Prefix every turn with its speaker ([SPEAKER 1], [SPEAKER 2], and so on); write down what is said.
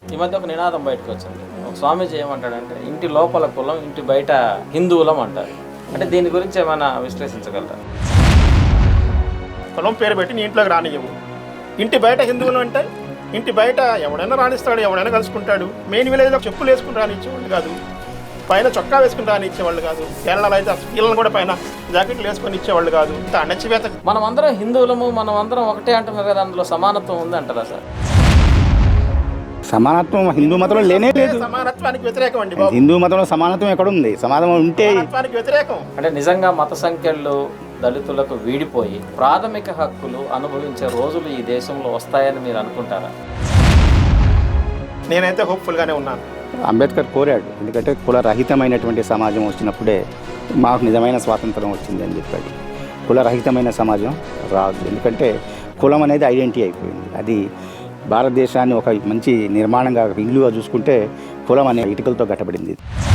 [SPEAKER 1] ఈ మధ్య ఒక నినాదం బయటకు వచ్చింది. ఒక స్వామీజీ ఏమంటాడంటే ఇంటి లోపల కులం, ఇంటి బయట హిందువులం అంటారు. అంటే దీని గురించి ఏమైనా విశ్లేషించగలరా?
[SPEAKER 2] కులం పేరు పెట్టి నీ ఇంట్లోకి రానియవు. ఇంటి బయట హిందువులు అంటే ఇంటి బయట ఎవడైనా రాణిస్తాడు, ఎవడైనా కలుసుకుంటాడు. మెయిన్ విలేజ్లో చెప్పులు వేసుకుని రానిచ్చేవాళ్ళు కాదు, పైన చొక్కా వేసుకుని రానిచ్చేవాళ్ళు కాదు. కేరళలో అయితే పిల్లలను కూడా పైన జాకెట్లు వేసుకొని ఇచ్చేవాళ్ళు కాదు. ఇంత అణచివేత.
[SPEAKER 1] మనం అందరం హిందువులము, మనం అందరం ఒకటే అంటున్నారు కదా, అందులో సమానత్వం ఉంది అంటారా సార్?
[SPEAKER 3] సమానత్వం హిందూ మతంలో లేనే లేదు.
[SPEAKER 2] సమానత్వానికి వ్యతిరేకం అండి బాబు.
[SPEAKER 3] హిందూ మతంలో సమానత్వం ఎక్కడ ఉంది? సమానత్వం ఉంటే
[SPEAKER 2] సమానత్వానికి వ్యతిరేకం.
[SPEAKER 1] అంటే నిజంగా మత సంఖ్యలు దళితులకు వీడిపోయి ప్రాథమిక హక్కులు అనుభవించే రోజులు ఈ దేశంలో వస్తాయని మీరు అనుకుంటారా?
[SPEAKER 2] నేనైతే హోప్ఫుల్గానే ఉన్నాను.
[SPEAKER 3] అంబేద్కర్ కోరాడు, ఎందుకంటే కులరహితమైనటువంటి సమాజం వచ్చినప్పుడే మాకు నిజమైన స్వాతంత్రం వచ్చింది అని చెప్పాడు. కులరహితమైన సమాజం రాదు, ఎందుకంటే కులం అనేది ఐడెంటిటీ అయిపోయింది. అది భారతదేశాన్ని ఒక మంచి నిర్మాణంగా ఇల్లుగా చూసుకుంటే కులం అనే ఇటుకలతో కట్టబడింది.